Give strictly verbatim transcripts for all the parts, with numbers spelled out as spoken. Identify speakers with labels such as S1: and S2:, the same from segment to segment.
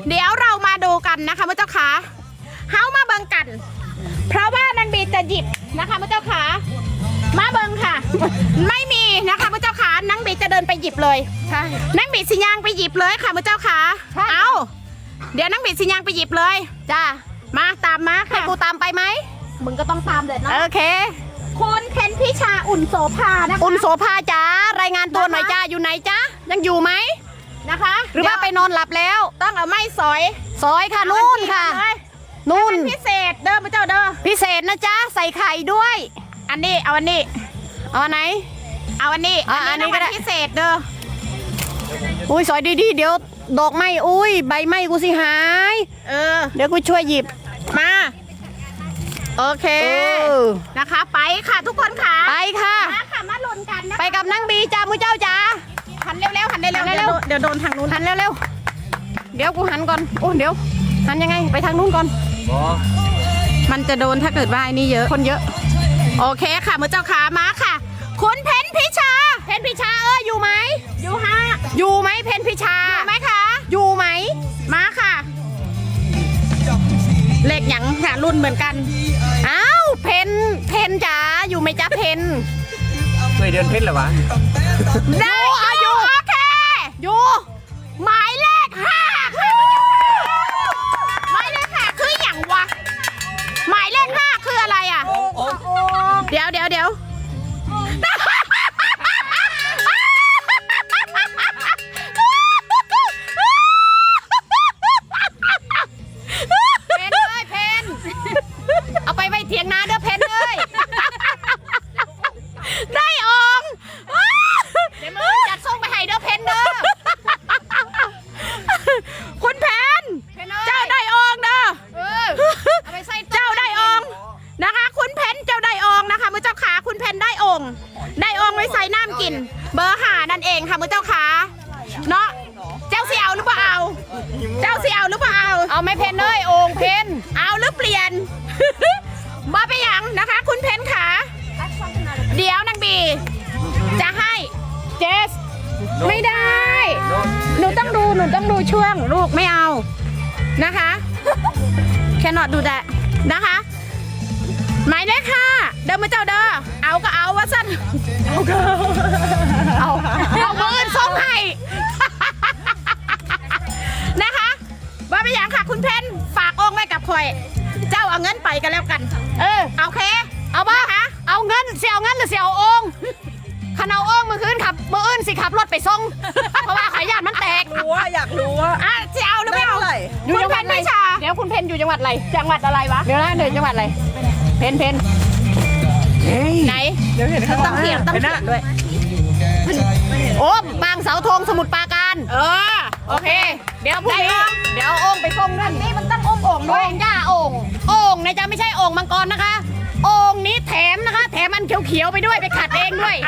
S1: เดี๋ยวเรามาดูกันนะคะพระเจ้าค่ะเฮามาเบิ่งกันเพราะว่านางบีจะหยิบนะคะพระเจ้าค่ะมาเบิ่งค่ะไม่มีนะคะพระเจ้าค่ะนางบีจะเดินไปหยิบเลยใช่นางบีสิยางไปหยิบเลยค่ะพระเจ้าค่ะเอาเดี๋ยวนางบีสิยางไปหยิบเลยจ้ามาตามมาค่ะให้กูตามไปไหมมึงก็ต้องตามเด็ดนะโอเคคุณเพนพิชาอุ่นโสภานะคะอุ่นโสภาจ้ารายงานตัวหน่อยจ้าอยู่ไหนจ้ายังอยู่ไหมนะคะหรือว่าไปนอนหลับแล้วต้องเอาไม้สอยสอยค่ะนู่นค่ะนู่นพิเศษเด้อพระเจ้าเด้อพิเศษนะจ๊ะใส่ไข่ด้วยอันนี้เอาอันนี้เอาอันไหนเอาอันนี้อันนี้ก็ได้พิเศษเด้ออุ้ยสอยดีๆเดี๋ยวดอกไม้อุ้ยใบไม้กูสิหายเออเดี๋ยวกูช่วยหยิบมาโอเคนะคะไปค่ะทุกคนค่ะไปค่ะมาค่ะมาลุ้นกันนะไปกับนางบีจ้ามูเจ้าจ้าหันเร็วๆหันเร็วๆเร็วๆเดี๋ยวโดนทางนู้นหันเร็วๆเดี๋ยวกูหันก่อนโอ้เดี๋ยวหันยังไงไปทางนู้นก่อนมันจะโดนถ้าเกิดว่าไอ้นี่เยอะคนเยอะโอเคค่ะมูเจ้าขามาค่ะคุณเพนพิชาเพนพิชาเอออยู่ไหมอยู่ฮะอยู่ไหมเพนพิชาอยู่ไหมคะอยู่ไหมมาค่ะเลขหยังค่ะรุ่นเหมือนกันอ้าวเพนเพนจ๋าอยู่ไหมจ๊ะเพน
S2: เคยเดินเพชรเหรอวะ
S1: ได้อยู่โอเคอยู่หมายเลขห้าหมายเลขห้าคืออย่างวะหมายเลขห้าคืออะไรอ่ะเดี๋ยวเดี๋ยวเดี๋ยวเพนเลยเพนเอาไปไว้เถียงนาเด้อเพนเลยได้องเดี๋ยวมือจัดส่งไปให้เด้อเพนเด้อคุณเพนเจ้าได้องเด้อเอาไปใส่เจ้าได้องนะคะคุณเพนเจ้าได้องนะคะมือเจ้าขาคุณเพนได้องได้องไว้ใส่น้ำกินเบอร์ห้านั่นเองค่ะมือเจ้าขาเนาะเจ้าเสี่ยวหรือเปล่าเจ้าเสี่ยวหรือเปล่าเอาไม่เพนเลยองเพนเอาหรือเปลี่ยนบ่ไปยังนะคะคุณเพนขาเดี๋ยวนางบีจะให้เจสไม่ได้หนูต้องดูหนูต้องดูช่วงลูกไม่เอานะคะแค่นอดดูแต่นะคะหมายเลขค่ะเดิมมาเจ้าเด้อเอาก็เอาว่าสั้นเอาก็เอาเอาเบอร์ส่งให้นะคะว่าไปอย่างค่ะคุณเพนฝากองไว้กับคอยเจ้าเอาเงินไปกันแล้วกันเออโอเคเอาบ้าคะเอาเงินเสียเอาเงินหรือเสียเอาองขนาดองมือคืนขับมืออื่นสิขับรถไปส่งเพราะว่าขายยานมันแตก
S3: รู้ว่าอยากรู้ว่า
S1: อ่ะเสียเอาหรือไม่เอาอยู่จังหวัดไหนเดี๋ยวคุณเพนอยู่จังหวัดอะไรจังหวัดอะไรวะเดี๋ยวนะเดี๋ยวจังหวัดอะไรเพนเพนไหนเดี๋ยวเห็นต้องเขียนต้องเขียนด้วยโอ้บางเสาธงสมุทรปราการเออโอเคเดี๋ยวพรุ่งนี้เดี๋ยวองไปส่งนั่นนี่มันต้ององโอ่งด้วยองย่าองโอ่งนะจ๊ะไม่ใช่โอ่งมังกรนะคะโอ่งนี้แถมนะคะแถมอันเขียวๆไปด้วยไปขัดเองด้วย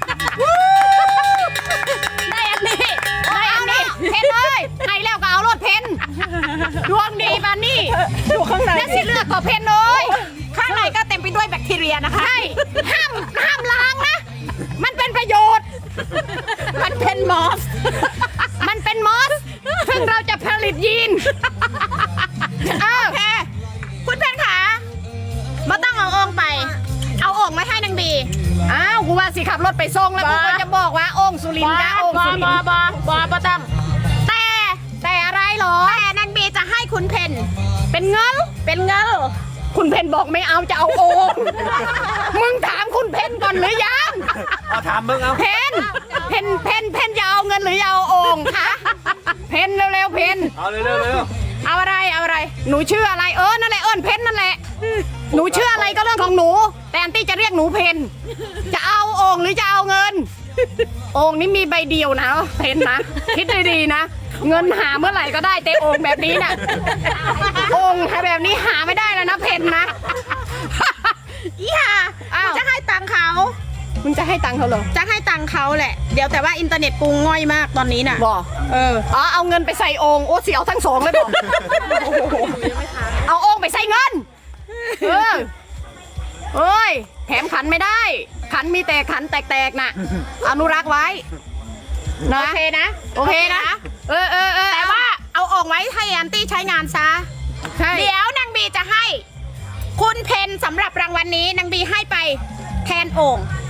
S1: ได้อันนี้ได้อันนี้เพนเลยให้แล้วก็เอารถเพนดวงดีมานี่
S3: ดูข้างใน
S1: และสิเลือกก็เพนเลยข้างในก็เต็มไปด้วยแบคทีเรียนะคะใช่ห้ามห้ามล้างนะมันเป็นประโยชน์มันเป็นมอสมันเป็นมอสซึ่งเราจะผลิตยีนโอเคคุณเพนขาไม่ต้องเอาองไปเอาองไม่ให้นางบีอ้าวกูว่าสิขับรถไปส่งแล้วกูก็จะบอกว่าองสุรินทร์นะองสุรินทร์บอบอบอบอตั้งแต่แต่อะไรหรอแต่นางบีจะให้คุณเพนเป็นเงินเป็นเงินคุณเพนบอกไม่เอาจะเอาโอ่งมึงถามคุณเพนก่อนหรือยัง
S2: เอาถามมึงเอา
S1: เพนเพนเพนเพนจะเอาเงินหรือจะเอาโอ่งคะเพนเร็วๆเพน
S2: เอาเร็วๆเร็ว
S1: เอาอะไรเอาอะไรหนูชื่ออะไรเออนั่นแหละเอิญเพนนั่นแหละหนูชื่ออะไรก็เรื่องของหนูแต่อันตี้จะเรียกหนูเพนจะเอาโอ่งหรือจะเอาเงินโอ่งนี้มีใบเดียวนะเพนนะคิดดีๆนะเงินหาเมื่อไหร่ก็ได้แต่โอ่งแบบนี้น่ะโอ่งแบบนี้หาไม่ได้แล้วนะเพนนะอีห่าจะให้ตังเขามึงจะให้ตังเขาเหรอจะให้ตังเขาแหละเดี๋ยวแต่ว่าอินเทอร์เน็ตกูง่อยมากตอนนี้น่ะบอกเอออ๋อเอาเงินไปใส่โอ่งโอ้เสียวทั้งสองเลยบอกเอาโอ่งไปใส่เงินเออเอ้ยแถมขันไม่ได้ขันมีแต่ขันแตกๆน่ะอนุรักษ์ไว้นะโอเคนะโอเคนะเออเออเออแต่ว่าเอาออกไว้ให้ให้แอนตี้ใช้งานซะ
S3: ใช่
S1: เดี๋ยวนางบีจะให้ คุณเพนสำหรับรางวัลนี้นางบีให้ไปแทนโอ่ง